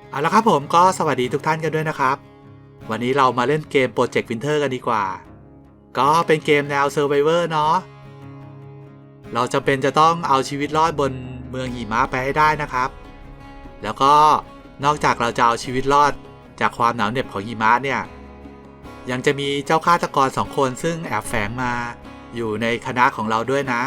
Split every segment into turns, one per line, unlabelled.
เอาละครับผมก็สวัสดีทุกท่านกันด้วยนะครับวันนี้เรามาเล่นเกม Project Winter กันดีกว่าก็เป็นเกมแนว Survivor เนาะเราจำเป็นจะต้องเอาชีวิตรอดบนเมืองหิมะไปให้ได้นะครับแล้วก็นอกจากเราจะเอาชีวิตรอดจากความหนาวเหน็บของหิมะเนี่ยยังจะมีเจ้าฆาตกร2 คนซึ่งแอบแฝงมาอยู่ในคณะของเราด้วยนะ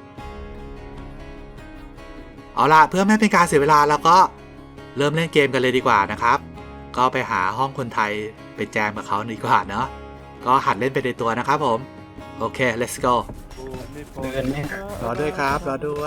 เอาล่ะเพื่อไม่เป็นการเสียเวลาเราก็เริ่มเล่นเกมกันเลยดีกว่านะครับก็ไปหาห้องคนไทยไปแจมกับเขาดีกว่าเนาะก็หัดเล่นไปในตัวนะครับผมโอเค let's go
เดินไหม
รอด้วยครับรอด้วย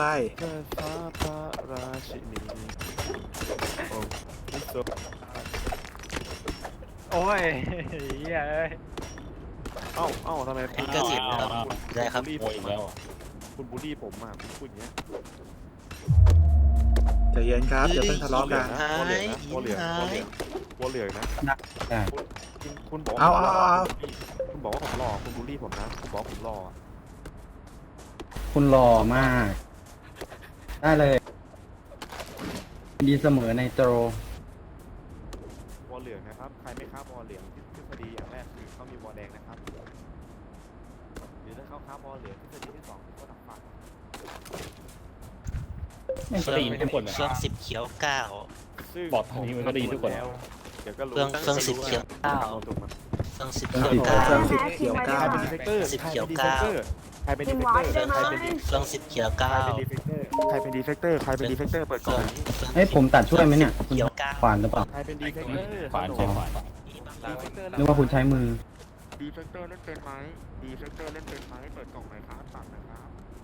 โอ้ยเหี้ยเอ้ย
เอ้าทำไม
ลิขสิทธิ์ครับได้ครับ
ณ
โอ้ยอีกแล้ว
คุณบูลลี่ผมอ่ะคุณพูดอย่างเงี้ย
ใจเย็นครับอย่าเพิ่งทะเลาะกัน
วัวเหลืองนะ
ได้
คุณบอก
เอา
คุณบอกว่าผมหล่อคุณบูลลี่ผมนะคุณบอกผมหล่อ
คุณหล่อมาก ได้เลย ดีเสมอในโตร
วัวเหลืองนะครับใครไม่ค้าวัวเหลืองทฤษฎีอย่างแรกคือเขามีวัวแดงนะครับหรือถ้าเขาค้าวัวเหลืองทฤษฎีที่2คือเขาดับฟัน
เครื่องสิบเขียวเก้า
บอกทางนี้มันก็ได้ยินทุกคน
แล้วเดี๋ยวก็รู้
เครื่องสิบเขียวเก้า
ถูกมั้ย
เครื่องสิบเขียวเก้า
เครื่องสิบเขียว
ใคร
ก้า
เป็นดีเฟกเตอร์
สิบเขียวเก้า
ใครเป็นดีเฟกเตอร์ใครเป็นดีเฟกเตอร์
เครื่องสิบเขียวเก้า
ใครเป็นดีเฟกเตอร์ใครเป็นดีเฟกเตอร์เปิด
เค
กล่
รื่
อ
อง ง
เฮ้ยผมตัดช่วยไหมเนี่ย
เขียวเก้า
ขวานหรือเปล่า
ใครเป็นดีเฟกเตอร์
ขวานใช่ขวาน
ดีเฟกเตอร์
นึกว่าคุณใช้มือ
ดีเฟกเตอร์เล่นเป็นไหมดีเฟกเตอร์เล่นเป็นไหมเปิดกล่องไหนครับตัดนะครับ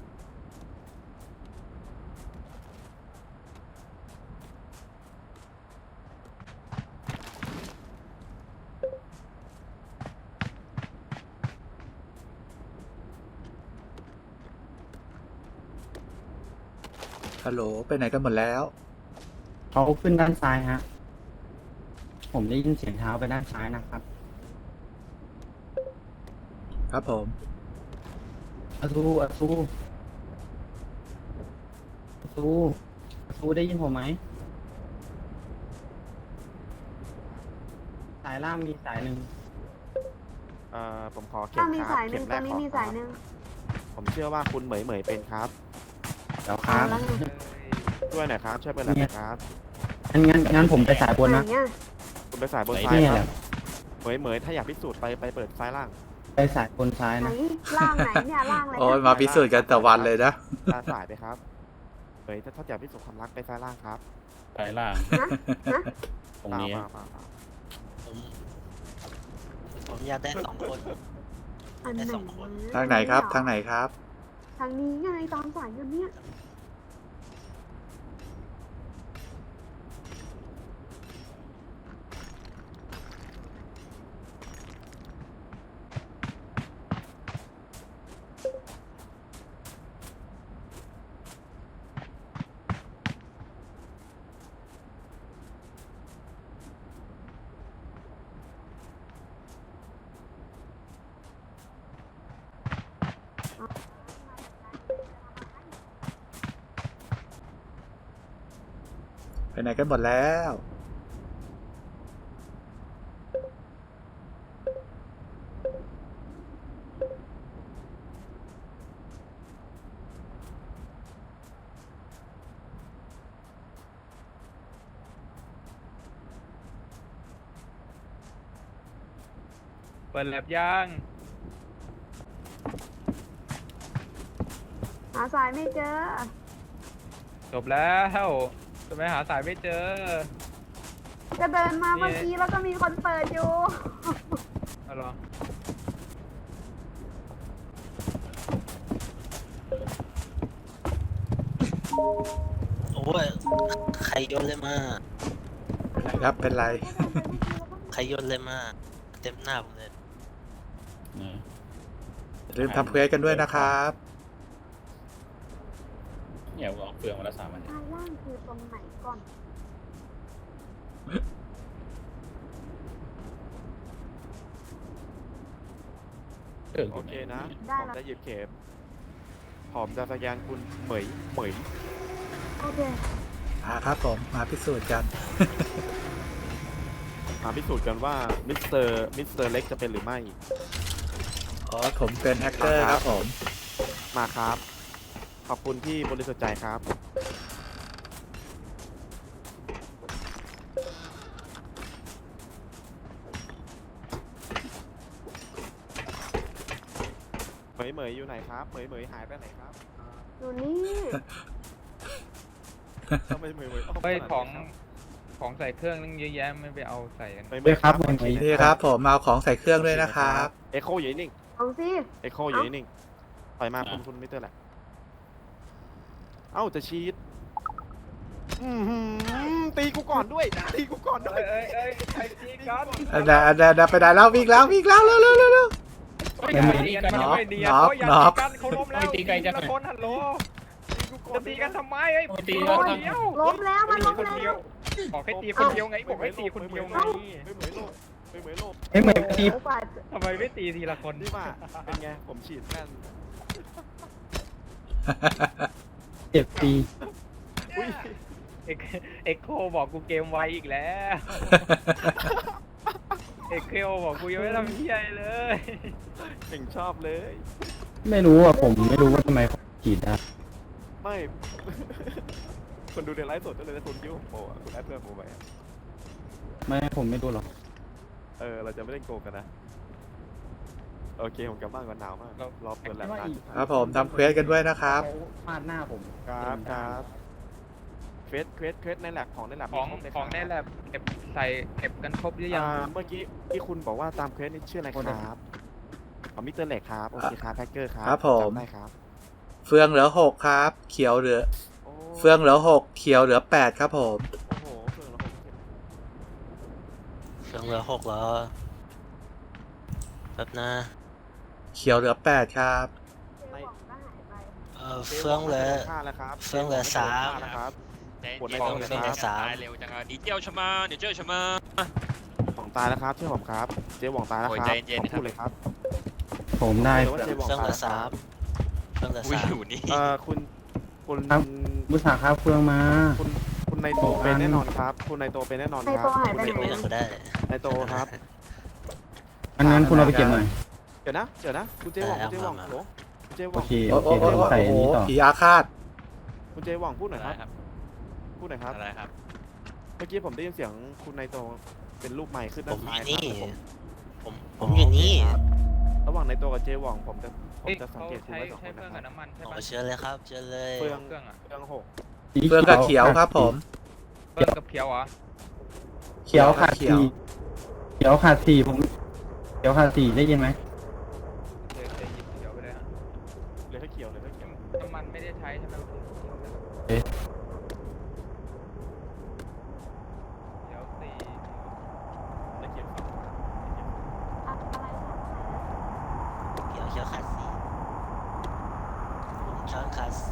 ฮัลโหลไปไหนกันหมดแล้ว
เขาขึ้นด้านซ้ายฮะ ผมได้ยินเสียงเท้าไปด้านซ้ายนะครับ
ครับผม
อาซูอาซูอาซูอาซูได้ยินผมไหม สายล่างมีสายหนึ่ง
ผมขอเข็
ถ้าม
ค
มี
รับ
สายห
เข็
นึ่ง
ม
ต
แร
อน
ก
นี้
ขอ
มี
ครั
สาย
บ
หนึ่ง
ผมเชื่อว่าคุณเหมยเป็นครับ
เดี๋ยวค
เอา
รับ
แล้วไง
ช่วยหน่อยครับช่วยเป็นหน่อยครับ
งั้นผมไปสายบน
ไหน
นะ
เนี่ย
คุณไปสายบนซ้าย
นี่
ค
แห
รับ
ละ
เหมยถ้าอยากพิสูจน์ไปเปิดซ้ายล่าง
ไปสายบนซ้าย
ไหน
นะ
ล่างไหนเนี่ยล่างอะไร
โอ้ยมาพิสูจน์กันแต่วันเลยนะ
ตาสายไปครับเหมยถ้าอยากพิสูจน์ความรักไปซ้ายล่างครับ
สายล่าง
นะนะ
ตรงนี้
มา
ผมอยากได้2 คน
อันไหน
ได้สองคน
ทางไหนครับทางไหนครับ
ทางนี้ไงตอนสายอยู่เนี่ย
ไปไหนกันหมดแล้ว
เปิดแลบย่าง
หาสายไม่เจอ
จบแล้วจะไปหาสายไม่เจอ
จะเดินมาเมื่อกี้แล้วก็มีคนเปิดอยู่
เอาเหรอ
โอ้ยใครโยนเลยมา
เป็นไรครับเป็นไร
ใครโยนเลยมาเต็มหน้าผมเลย
อย่าลืมทำเควสกันด้วยนะครับ
เนี่ยเอาเฟืองมาละ3 อัน
ด้านล่างคือตรงไหนก่อน
โอเคนะผมจะหยิบเข็มผมจะสแกนคุณเหมย
โอเค
ครับผมมาพิสูจน์กัน
มาพิสูจน์กันว่ามิสเตอร์เล็กจะเป็นหรือไม่
อ๋อผมเป็นแฮกเกอร์ครับผม
มาครับ ขอบคุณที่บริสุทธิ์ใจครับ เหมยอยู่ไหนครับเหมยหายไปไหนครับ
อยู่นี่
ทำไมเหมยอ้อม
เฮ้ย
ขนาด
ของ
นี้ครับ
ของใส่เครื่องนึงเยอะแยะไม่ไปเอาใส่กัน
เหมยครับ
เหมยครับ
นี่ครับผมเอาของใส่เครื่องด้วยนะครับ
เอโคอยู่นิ่ง
เอาสิ
เอโคอยู่นิ่งปล่อยมาคุณมิสเตอร์แหละเอ้าจะชีดตีกูก่อนด้วยตีกูก่อนด้วย
ใครตีกัน
อันนั้นไปได้แล้ววิ่งแล้วเร็ว
ตีกันมันไม่ดี
น็อก
เขาอย่า
น็
ตี
อก
กันเขาล้มแล้วตีกันละคนฮัลโหลจะตีกันทำไมไอ้ตี
โอ้
คน
ย
เดียว
ล้มแล้วมันล้ม
คน
แล้
เดียว วบอกให้ตีคนเดียวไงบอกให้ตีคนเดียวไง
เหมยโลกเหมยโลก
เอ้ยเหมือนตี
โอ้กว่าจะ
ทำไมไม่ตีทีละคน
นี่มาเป็นไงผมฉีดแม่น
เจ็บปี
อุ้ย
เอ็กโคบอกกูเกมไวอีกแล้วเอ็กโคบอกกูยังไม่ทำเหี้ยอะไรเลย
เก่งชอบเลย
ไม่รู้อ่ะผมไม่รู้ว่าทำไมผมฉีดได้
ไม่ คนดูในไลฟ์สดก็เลยนะคุณคิดว่าผมโปรอ่ะคุณแอดเพื่อนโปรไปอะ
ไม่ผมไม่รู้หรอก
เราจะไม่เล่นโกงกันนะ โอเค ผมกลับบ้านก่อนหนาวมาก รอเปิดแลบนานชิบหาย
ครับผมทำเควสกันด้วยนะครับ
เขาฟาดหน้าผม
ครับเควสในแลบของในแลบ
ของ
มีครบเลย
ของ
ครับ
ในแลบเก็บกันครบหรือยัง
เมื่อกี้ที่คุณบอกว่าตามเควสนี่ชื่ออะไรครับมิสเตอร์เล็กครับ โอเคครับแพ็กเกอร์ครับ
ครับผม
จำได้ครับ
เฟืองเหลือ6ครับ เขียวเหลือ
โอ้
เฟืองเหลือ6เขียวเหลือ8ครับผม
โอ้โหเฟืองละหก
เฟืองเหลือ6แล้วแป๊บนะ
เขียวเหลือ8ครับ
เจ๊หว่องก็หายไป
เฟืองเหลือ
ฆ่าแล้วครับ
เฟืองเหลือ
จ๊
สาม
ฆ่แล้วครับ
你
ของ
เฟืองเหลือ3
ตายเร็วจังอ่ะ你叫什么你叫什么
ของตายแล้วครับเชื่อผมครับ เจ๊หว่องตายแล้วครับ
โอ้ยใจเย็นๆ
ขอพูดเลยครับ
ผมได้
ว่าเจ๊หว่อง
เฟือง
ตาย
เหลื
แล้
อ
วครับ
3เฟืองเหลือ
อุ้ย
3
อยู่นี่
คุณ
มุสาครับเฟืองมา
คุณในโตเป็นแน่นอนครับ คุณในโตเป็นแน่นอนค
ใน
รั
ตัว
บ
หายไป
เก็บ
ไหน
ไว้
อะ
ก็ได้
ในโตครับ
งั้นคุณเอาไปเก็บหน่อย
เดี๋ยวนะคุณเจ๊หว่องคุณเจ๊หว่อง
เอามา
โหลคุณเจ๊ห
โอ
ว่อง
เค
โอ้
โอ
โห
เคเดี๋ยวผมใส่อันนี้ต่อ
ผีอาฆาต
คุณเจ๊หว่องพูดหน่อย
อะ
ค
ไร
รับ
ครับ
พูดหน่อยครับ
อะไรครับ
เมื่อกี้ผมได้ยินเสียงคุณในโตเป็นรูปใหม่ขึ้น
ผ
ด้าน
มอ
ซ้าย
ยู่
ครับ
นี่
ผม
ผมอยู่นี่
ครับระหว่างในโตกับเจ๊หว่องผมจะ
เฮ้ย
สัง
เขา
เกตคุณ
ใช้
ไว้สองค
ใช้
น
เฟือง
นะ
กับ
ครับ
น้ำมันใช่
โอ้
ปะ
เชิญเลยครับเชิญเลย
เฟือง
เครื่องอะ
เฟืองหก
สี
เฟืองกับเขียวครับผม
เฟืองกับเขียวเหรอ
เขียวขาด
เขียว
สี่เขียวขาดสี่ผมเขียวขาดสี่ได้ยินไหม
เดี๋ยวจะหยิบเขียวไปเลยฮะ
เลยถ้าเขียวเลยถ้าเขียว
น้ำมันไม่ได้ใช้ใช่ไหมเขียวสี่
ถ้าเขียว
อะไรเนี่ย
เขียวขาด4ผมช้อนขาด4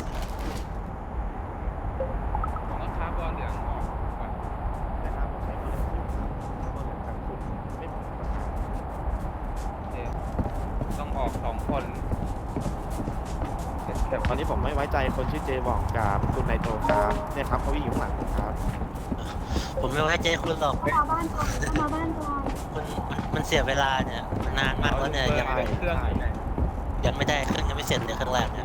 ของราคาบอลเหลืองออกก่อน
นะครับผมใช้มาเลยที่มาเลยกับคุณไม่เหมือนกันครับ
โอเคต้องออก2 คนเก็บ
ตอนนี้ผมไม่ไว้ใจคนชื่อเจหว่องกับคุณในโตครับเนี่ยครับเขาวิ่งอยู่ข้างหลังผมครับ
ผมไม่ไว้ใจคุณหรอก
เข้ามาบ้านก่อนเข้ามาบ้านก่อน
มันเสียเวลาเนี่ยมันนานมากแล้วเนี่ยยัง
เครื่องอยู่ไหน
ไม่ได้เครื่องยังไม่เสร็จเลยเครื่องแรกเนี่ย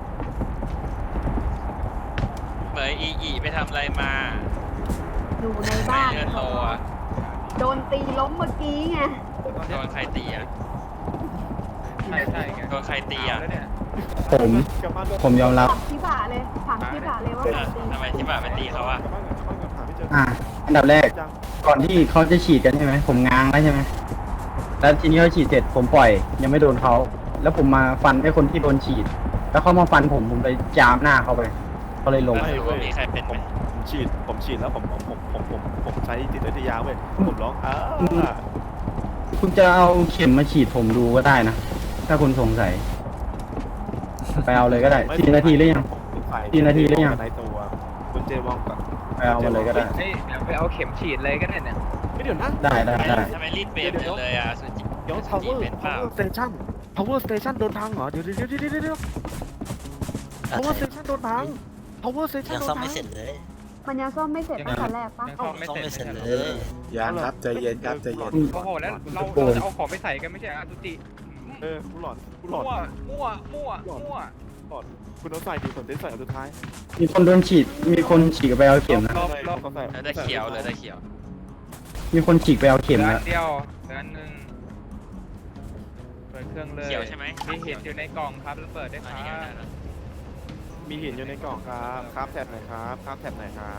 เหมยอีไปทำอะไรมา
อยู่ใน
ไม่
บ้าน
เลือดโตอ่ะ
โดนตีล้มเมื่อกี้ไง
โดนใครตีอ่ะ
ใช่ไง
โดนใครตีอ่ะ
แล้วเนี่ย
ผม
กลับบ้านก่อน
ผมยอมรับ
ถามที่บ่าเลยถามที่บ่าเลยว่า
เอ
ใคร
อ
ตี
ทำไมที่บ้านไปตีเขาอ่ะ
กลับบ้านก่อนหาไม่เจอ
อันดับแรก
จัง
ก่อนที่เขาจะฉีดกันใช่ไหมผมง้างแล้วใช่ไหมแล้วทีนี้เขาฉีดเสร็จผมปล่อย ยังไม่โดนเขาแล้วผมมาฟันไอ้คนที่โดนฉีด แล้วเขามาฟันผมไปจามหน้าเขาไปเขาเลยลง
แล้วรู้ว่ามีใครเป็นไหม
ผมฉีดแล้วผมใช้จิตวิทยาเว้ยผมร้อง
คุณจะเอาเข็มมาฉีดผมดูก็ได้นะ ถ้าคุณสงสัย ไปเอาเลยก็ได้4 นาทีหรือยัง 4 นาทีหรือยัง
ในตัวคุณเจวองกับ
ไปเอามาเลยก็ได้
เฮ้ยเดี๋ยวไปเอาเข็มฉีดเลยก็ได้เนี่ย
ไม่เดี๋ยวนะ
ได้ได้ได้
ทำไมรีบเปลี่ยนเลยอ่ะสุจิ
เดี๋ยว
สุจิเป็นเปล่า
power station โดนพังเหรอเดี๋ยว power station โดนพัง power station
ยัง
โดน
ซ่อม
พั
ไม่
ง
เสร็จเลย
มันยังซ่อมไม่เสร็จตั้งแต่แรกปะ
ยังซ่อมไม่
ต้อง
เสร็จ
ไม่เสร็จ
ไม่
เล
ใช่เหรอย
ยังครับใจเย็นครับใจเย็น
โอ้โหแล้วเราจะเอาของไปใส่กันไม่ใช่เหรออาตุจิ
กูหลอนกูหลอน
มั่วมั่วมั่วมั่ว
หลอนคุณต้องใส่ดีผมจะใส่อันสุดท้าย
มีคนโดนฉีด มีคนฉีกไปเอาเข็มนะ
รอบรอบ
เขาใส่
แล้วได้เขียวเลยได้เขียว
มีคนฉีกไปเอาเข็ม
เหลือ
นะ
อันเดียวเหลืออันหนึ่งเปิดเครื่องเลย
เขียวใช่ไหม
มีเห็นอยู่ในกล่องครับแล้วเปิดได้ค
อั
รั
นนี้ก็ได้
บ
แล้ว
มีหินอยู่ในกล่องครับครับแท็บไหนครับครับแท็บไหนครับ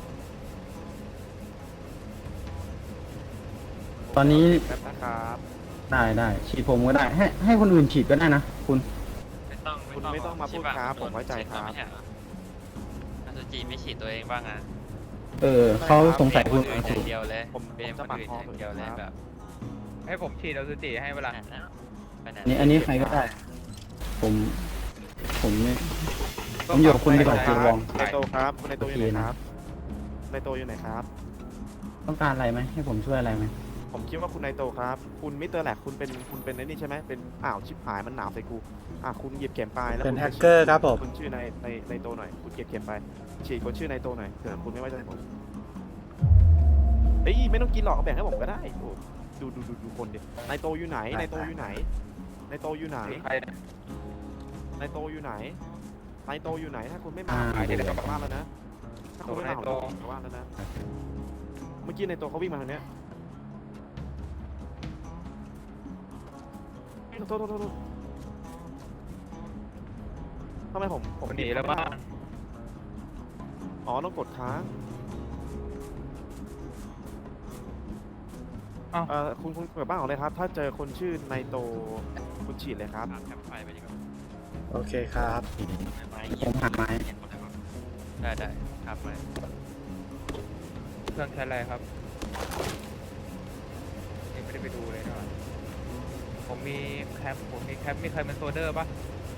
ตอนนี้
แท็บนะครับ
ได้ฉีดผมก็ได้ ให้คนอื่นฉีดก็ได้นะคุณ
คุณไม่ต้องมาพูดครับผมไว้ใจครับ
ไม่ใช่เหรออาซูจิไม่ฉีดตัวเองบ้างอ่ะ
เขาสงสัยคุณ
เป็นคนอื่นอย่างเดียวเลย
ผม
เป็น
จะ
คน
ปัด
อื่น
คอ
อย่างเดียวเลย
ครับ
แบบ
ให้ผมฉีดอาตุจิให้เวลา
ไปไหน
อันนี้ใครก็ได้ ผมไม่ ผมอยู่กับคุณดีกว่าเจวอง
ในโตครับในโตอยู่ไหนครับในโตอยู่ไหนครับ
ต้องการอะไรไหมให้ผมช่วยอะไรไหม
ผมคิดว่าคุณในโตครับ คุณมิสเตอร์แหลกคุณเป็นไอ้นี่ใช่ไหมเป็นชิบหายมันหนาวใส่กูคุณหยิบเข็มไปแล้ว
เป็น
คุณ
แฮกเกอร์ครับผม
คุณชื่อในโตหน่อยคุณเก็บเข็มไปฉีดคนชื่อในโตหน่อยเผื่อคุณไม่ไว้ใจผมเอ้ยไม่ต้องกินหรอกเอาแบ่งให้ผมก็ได้โอ้ดูคนดิในโตอยู่ไหนในโตอยู่ไหนในโตอยู่ไหน
ใครเนี่ย
ในโตอยู่ไหนในโตอยู่ไหนถ้าคุณไม่มา
อ่า
ผมจะกลับบ้านแล้วนะถ้าคุณไม่มาผม
ในโต
จะกลับบ้านแล้วนะเมื่อกี้ในโตเขาวิ่งมาทางเนี้ยโทษทำไมผม
หนีแล้วบ้าง
อ๋อต้องกดค้าง
อ้าว
คุณเปิดบ้านของเลยครับ ถ้าเจอคนชื่อไนโตคุณฉีดเลยครับ
แคมไฟไปดีกว่า
โอเคครับ
ผมหาไม้
ได้ครับไป
เครื่องใช้อะไรครับยังไม่ได้ไปดูเลยนะผมมีแคมมีใครเป็นโซเดอร์ปะ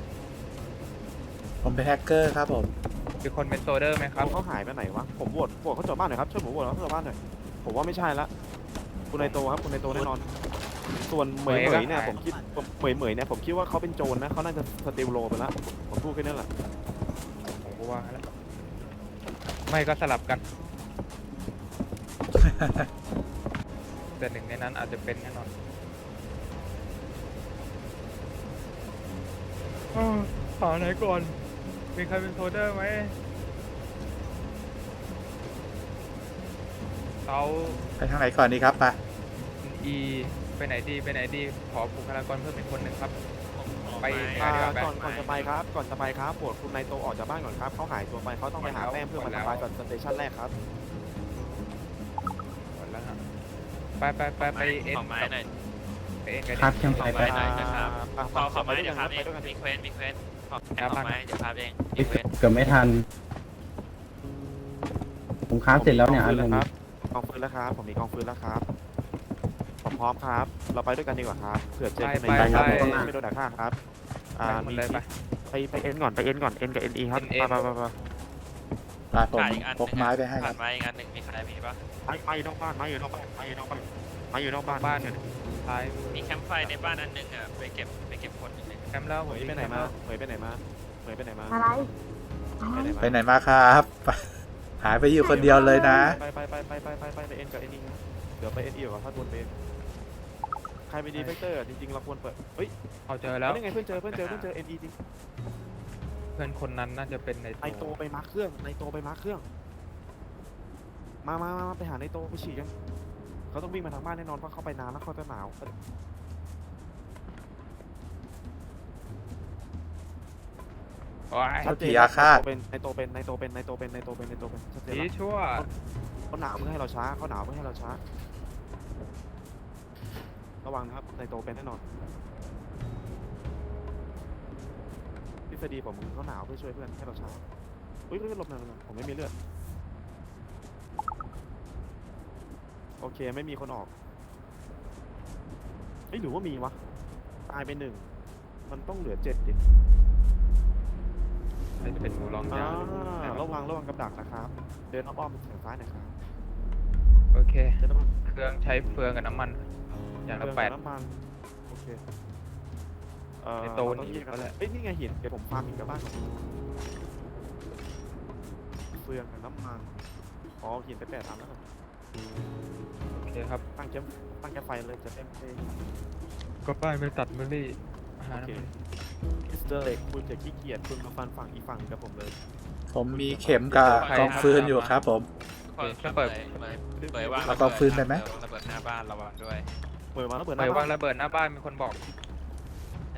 ผมเป็นแฮกเกอร์ครับผม
มีคนเป็นโซเดอร์ไหมครับ
เขาหายไปไหนวะ ผมโหวตเขาจอดบ้านหน่อยครับ ช่วยผมโหวตเขาจอดบ้านหน่อย ผมว่าไม่ใช่ละ คุณไนโตครับ คุณไนโตแน่นอน ส่วนเหมยเนี่ยผมคิดเนี่ยผมคิดว่าเขาเป็นโจรนะเขาน่าจะสติลโลไปแล้วผมพูดแค่นั้นแหละ
ผมก็ว่าแล้วไม่ก็สลับกัน แต่หนึ่งในนั้นอาจจะเป็นแน่นอนหาไหนก่อน มีใครเป็นโซเดอร์ไหมเรา
ไปทางไหนก่อนดีครับไป
อีไปไหนดี ขอบุคลากรเพิ่มเป็นคนหนึ่งครับ ไป
ก่อนจะไปครับโหวตคุณไนโตออกจากบ้านก่อนครับเขาหายตัวไปเขาต้องไปหาแต้มเพื่อมาทำลายก่อนสเตชันแรกครับ
หมดแล้วฮะไปเอ็น
ขอไม้หน่อย
ไปเอ็นกัน
ครับแคมไฟ
ไปหน่อยนะครับขอไม้เดี๋ยวพา
ไป
เอง
ด้วยกัน
มีเควสขอไม้เดี๋ยวพาเองมีเควส
เกือบไม่ทัน ผมค้าเสร็จแล้วเนี่ยอันนึง
กองฟืนแล้วครับผมมีกองฟืนแล้วครับผมพร้อมครับ เราไปด้วยกันดีกว่าครับเผื่อเจอคนในครับไม่โดนด่าฆ่าครับ
ไปหมดเลยไป
ไปเอ็นก่อนเอ็นกับเอ็นอีครับ
NE
ไป
มาผม
ขาดอีกอัน
พกไม้ไปให้ค
ขา
รั
ด
บ
ไม้อีกอันหนึ่งมีใครมีปะ
ไปนอกบ้านมาอยู่นอกบ้านมาอยู่นอกบ้านมาอยู่นอกบ้าน
บ้านท้าย
มีแคมป์ไฟในบ้านอันหนึ่งอ่ะไปเก็บคนหนึ่ง
แคมป์แล้ว
เหมยไปไหนมาเหมยไปไหนมาเหมยไปไหนมา
อะไร
ไปไหนมาครับหายไปอยู่คนเดียวเลยนะ
ไปเอ็นกับเอ็นอีนะเดี๋ยวไปเอ็นอีก่อนถ้าบนเป็นใครเป็นดีเฟกเตอร์จริงๆเราควรเปิดเฮ้ย
เอาเจอแล้ว
นี่ไงเพื่อนเจอเอ็นอีจริง
เพื่อนคนนั้นน่าจะเป็นใน
ไนโตไปมาร์คเครื่องไนโตไปมาร์คเครื่องมาไปหาไนโตไปฉีดกันเขาต้องวิ่งมาทางบ้านแน่นอนเพราะเขาไปนานแล้วเขาจะหนาว
ชัดเจนอาฆาต
เป็นไนโตเป็นชัดเจน
สี
แล้ว
ชั่ว
เขาหนาวเพื่อให้เราช้าระวังนะครับไนโตเป็นแน่นอนทฤษฎีผมเขาหนาวเพื่อช่วยเพื่อนให้เราช้าอุ้ยหลบหน่อยผมไม่มีเลือดโอเคไม่มีคนออกหรือว่ามีวะตายไป1มันต้องเหลือ7ดิ
น่าจะเป็นหมูร้องยาว
ระวังกับดักนะครับเดินอ้อมไปทางซ้ายหน่อยครับ
โอเค
เดินอ้อม
เครื่องใช้เฟืองกับน้ำมัน อย่างละ
เดิน
8
น้ำมันโอเค
ไอ้โตน
เราต้อง
อีกแล้วแหละ
นี่ไงหินเดี๋ยวผมฟาร์มหินกับบ้านก่อนฟืฟืองกับน้ำมันอ๋อกินไป8 อันแล้วครับ
โอเคครับ
ตั้งแคมป์ไฟเลยจะเต็มที่
ก็ป้ายไม่ตัดไม่รีหา
โอ
น้ำ
เค
มัน
มิสเตอร์เล็กคุณจะขี้เกียจคุณมาฟันฝั่งอีกฝั่งกับผมเลย
ผมมีเข็มกับกองฟืนอยู่ครับผม
เปิดว่าง
เอากองฟืนไปไหม
ระเบิดหน้าบ้านระวังด้วย
เปิดมาแล้วเปิด
เหมยวางระเบิดหน้าบ้านมีคนบอก
ใช่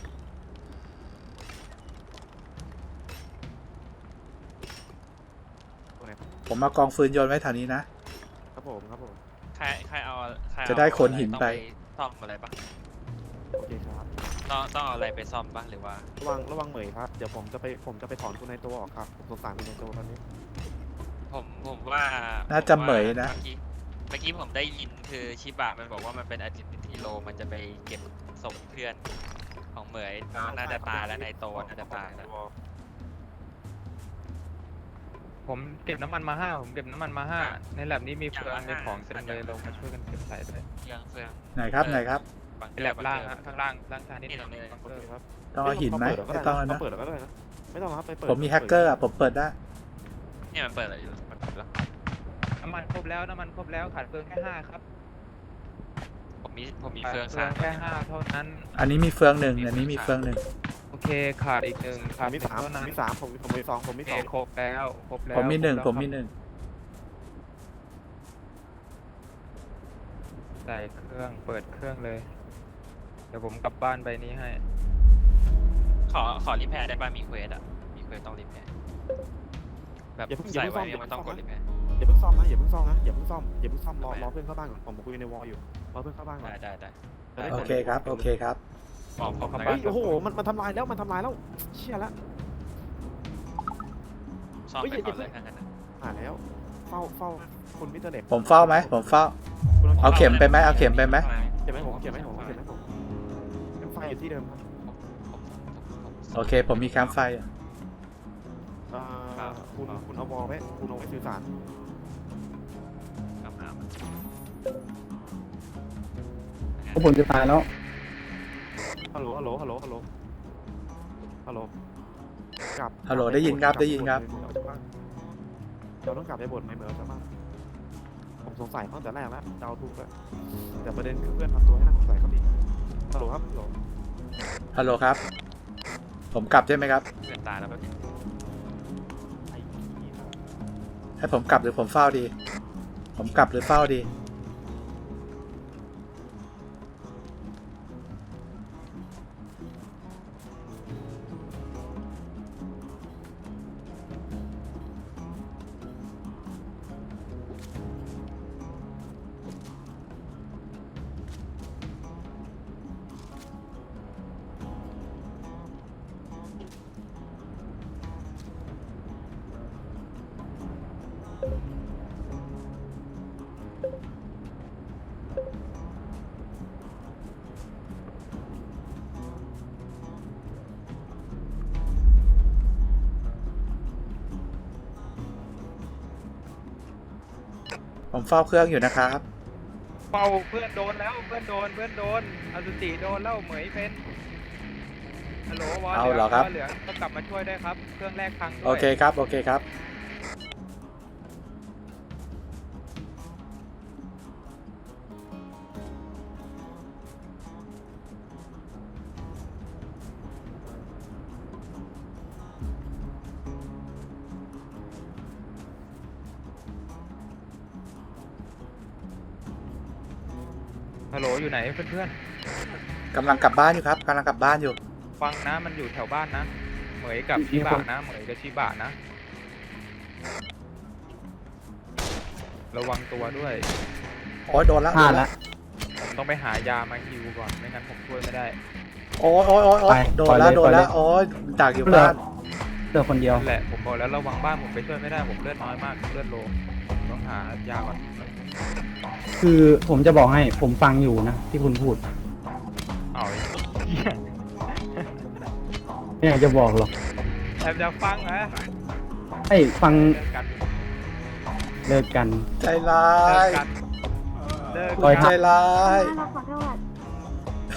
ผมเอากองฟืนโยนไว้แถวนี้นะ
ครับผมครับผม
ใครเอาใครเอา
จะได้ขนหินไป
ต้องซ่อมอะไรปะ
โอเคครับ
ต้องเอาอะไรไปซ่อมปะหรือว่า
ระวังเหมยครับเดี๋ยวผมจะไปถอนคุณในตัวออกครับผมสงสารคุณในตัวตอนนี้
ผมว่า
น่าจะเหมยนะ
เมื่อกี้ผมได้ยินคือชิบะมันบอกว่ามันเป็นอาจิติโลมันจะไปเก็บศพเพื่อนของเหมยน่าจะตายแล้วในโตน่าจะตายแล้ว
ผมเก็บน้ำมันมา5ผมเก็บน้ำมันมา5ในแลบนี้มีเฟืองมีของเต็มเลยลงมาช่วยกันเก็บใส่ด้วย
เฟือง
ไหนครับไหนครับ
ในแลบล่างฮะข้างล่างชานิด
นี่ตรงนี้
บัง
โอ
เกอ
เค
ร์
ครับ
ต้องเอาหินไหมไม่ต้องแล้วนะ
เปิดแล้วก็ได้นะไม่ต้องครับไปเปิด
ผมมีแฮกเกอร์อ่ะผมเปิดได้
เนี่ยมันเปิดอะไรอยู่มันเปิดแล้ว
น้ำมันครบแล้วขาดเฟืองแค่5ครับ
ผมมี
ขาด
เฟือง
เฟือง
3
แค่5เท่านั้น
อันนี้มีเฟืองหนึ่งอันนี้มีเฟืองหนึ่ง
โอเคขาดอีก1ขาด
มี
1
3
เท่านั้น
มี3ผมมี2ผมมี
โอเคครบแล้ว
ผมมีหนึ่ง
ครบแล้ว
ผมมีหนึ่ง
ใส่เครื่องเปิดเครื่องเลย เดี๋ยวผมกลับบ้านไปนี้ให้
ขอรีแพร์ได้ป่ะมีเควสอ่ะมีเควสต้องรีแพร์แบบใส่ไว้เนี่ยมันต้องกดรีแพร์
อย่าเพิ่งซ่อมนะอย่าเพิ่งซ่อมรอเพื่อนเข้าบ้านก่อนผมคุยในวอลอยู่รอเพื่อนเข้าบ้านก่อน
ได้
โอเคครับโอเคครับ
บอกผม
เข้า
นะ
บ้า
เฮ้ยโอ้โหมันทำลายแล้วเชี่ยแล้ว
ซ่อมไปก่อนเลยถ้างั้นนะ
แล้วเฝ้าคุณมิสเตอร์เล็ก
ผมเฝ้าไหมผมเฝ้า เอาเข็มไปไหมเอาเข็มไปไหม
เก็บไหมผมเก็บไหมไฟอยู่ที่เดิมครับ
โอเค ผมมีแคมป์ไฟอ่ะ
คุณเอาวอลไว้คุณเอาไว้สื่อสาร
กลับมา
พวกผมจะตายแล้ว
ฮัลโหลกลับ
ฮัลโหลได้ยินครับได้ยินครับ
เราต้องกลับไปบทไม่เหมือนเราจะบ้างผมสงสัยตั้งแต่แรกแล้วเดาถูกแล้วแต่ประเด็นคือเพื่อนทำตัวให้น่าสงสัยเขาดิฮัลโหลครับฮัลโหล
ฮัลโหลครับ ผมกลับใช่ไหมครับ
เพื่อนตายแล้วแบบนี้
ไอ้ขี้ครับ
ให้ผมกลับหรือผมเฝ้าดี ผมกลับหรือเฝ้าดี ผมเฝ้าเครื่องอยู่นะครับ
เป่าเพื่อนโดนแล้วเพื่อนโดนอสุจิโดนแล้วเหมยเป็นฮัลโหลวอล
เอาเหรอครับ
เหลืองก็กลับมาช่วยได้ครับเครื่องแรกพังด้วย
โอเคครับโอเคครับ
ฮัลโหลอยู่ไหนเพื่อน
กำลังกลับบ้านอยู่ครับกำลังกลับบ้านอยู่
ๆฟังนะมันอยู่แถวบ้านนะเหมยกับชิบะนะเหมยกับชิบะนะระวังตัวด้วย
โอ้ยโดนแล้ว
พลาดละ
ผมต้องไปหายามาฮิวก่อนไม่งั้นผมช่วยไม่ได้
โอ้ยโอ้ยโอ้ยโอ้ย
ไป
โดนแล้ว
ปล่อยเลย
โดนแล้ว
ปล่อยเลย
โอ้ยดักอยู่
เหลือ
บ้าน
เหลือคนเดียว
นั่นแหละผมบอกแล้วระวังบ้านผมไปช่วยไม่ได้ผมเลือดน้อยมากเลือดโลผมต้องหายาก่อน
คือผมจะบอกให้ผมฟังอยู่นะที่คุณพูด
เอาไอ้เหี้ย
ไม่อยากจะบอกหรอก
แอบจะฟังนะ
ไอ้ฟัง
เลิกกัน
เลิกกัน
ใจร้า
เลิก
ย
กันเลิก
ปล่อย
ใจร้าย
เราขอโทษ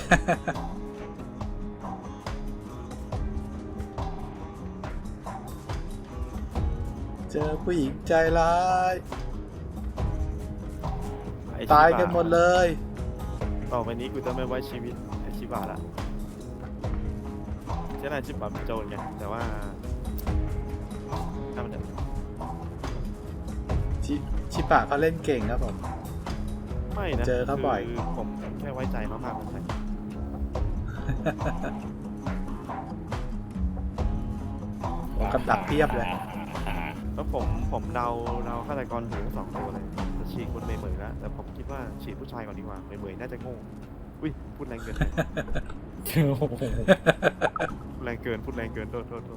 ใจเจอผู้หญิงใจร้าย
ไอ้
ตาย
ชิบะ
กันหมดเลย
ต่อไปนี้กูจะไม่ไว้ชีวิตไอชิบะละใช่ไหมชิบะเป็นโจรไงแต่ว่าถ้ามันจะ
ชิปะเขาเล่นเก่งครับผม
ไม่นะ
เจอเขาบ่อย
คือผมแค่ไว้ใจมากๆมันใช่
กับดักเทียบเลย
แล้วผมเดาฆาตกรหู2 ตัวเลยจะฉีดคนเหมยๆแล้วแต่ผมคิดว่าฉีดผู้ชายก่อนดีกว่าเหมยๆน่าจะโง่อุ้ยพูดแรงเกินไปพูดแรงเกินโทษ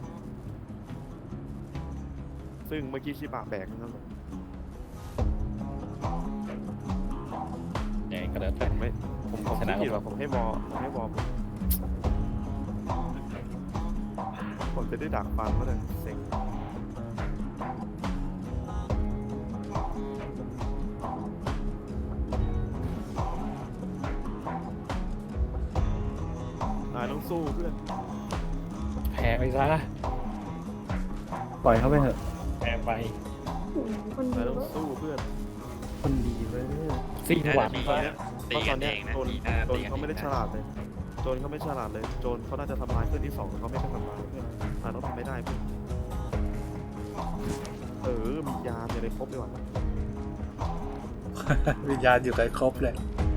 ซึ่งเมื่อกี้ชิบะแบกนั่นเลย
ยังไงก็แล้วแต่
ไม่ผม
ชนะ
ผิดว่าผมให้วอผมจะได้ดักฟังก็เลยเซ็งนายต้องสู้เพื่อน
แพ้ไปซะ
ปล่อยเขาไปเถอะ
แพ้ไป
คน
นาย
ดี
ต้อง
เว้ย
สู้เพื่อน
คนดีเว้ย
สิ้นหวัง
ดี
ซะ
นะ
เพ
ตี
ราะต
กั
อน
น
เนี้
เอย งนะ
โจร
ตีหน้า
โจร
ตีกัน
เขาไม่ได้ฉลาดเลยโจรเขาไม่ฉลาดเลยโจรเขาน่าจะทำลายเพื่อนที่ 2เขาไม่ได้ทำลายเพื่อนต้องทำไม่ได้เพื่อนมียามอะไรครบด้วยวะ
วิญญาณอยู่กันครบเลย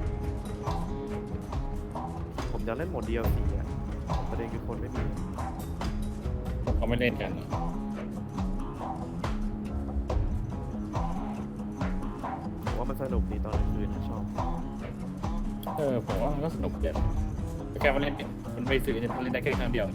ผมจะเล่นโหมด DLC อ่ะประเด็นคือคนไม่มี
เขาไม่เล่นกัน
ผมว่ามันสนุกดีตอนกลางคืนนะชอบ
ผมว่ามันก็สนุกเด็ดแค่มาเล่นมันไปสื่อมันเล่นได้แค่ครั้งเดียว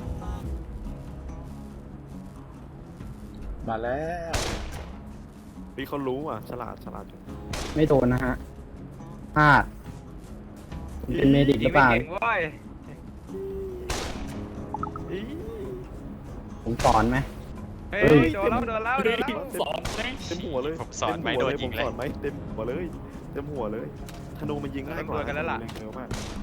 มาแล้ว
พี่เขารู้อ่ะฉลาดจัง
ไม่โดนนะฮะพลาดผมเป็นเมดิกห
ยิ
รื
ง
อเป
ไม่
ล่า
เก่งเว้ย
อี
ผมสอนไหม
เฮ้
เฮ้ย
ยโดนแล้ว
สองเลย
เต็มหัวเลย
ผมสอนไม่โดนยิงเลย
ผมสอนไหมเต็มหัวเลยเต็มหัวเลยธนูมันยิงง่ายกว่าเร็วมาก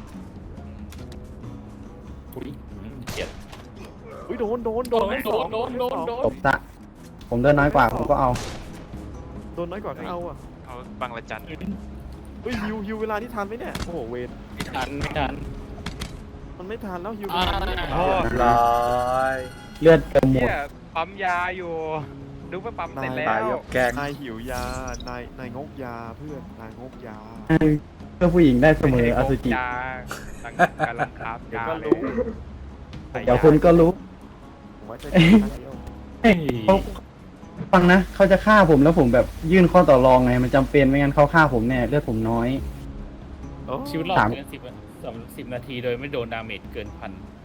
อุ้ยเจ็ด
อุ้ยโดน
โดน
ตบซะผมเดินน้อยกว่าผมก็เอา
โดนน้อยกว่าก็เอาอ่ะ
เอาบังละจัน
เฮ้ยฮิวเวลาที่ทันไหมเนี่ยโอ้โหเวร
ไม่ทัน
มันไม่ทันแล้วฮิว
โอ้
ร้อย
เลือดเต็มหม
เหี้
ด
ยปั๊มยาอยู่ดูว่าปั๊มเสร็จแล้
ตายว ยกแกง
นายหิวยานายงกยาเพื่อนนายงกยา
เพื่อผู้หญิงได้เสมออสุจิ
ยาตั้งกำลังคาบ
เดี๋ยวย
า
ก็
เล
รู้
ย
เดี๋ยวคุณก็รู้
ผมว่าจะเดียว
เขาฟังนะเขาจะฆ่าผมแล้วผมแบบยื่นข้อต่อรองไงมันจำเป็นไม่งั้นเขาฆ่าผมแน่เลือดผมน้อย
โอ้
ชีวิตรอดเกิน10นาทีโดยไม่โดนดาเมจเกิน1,000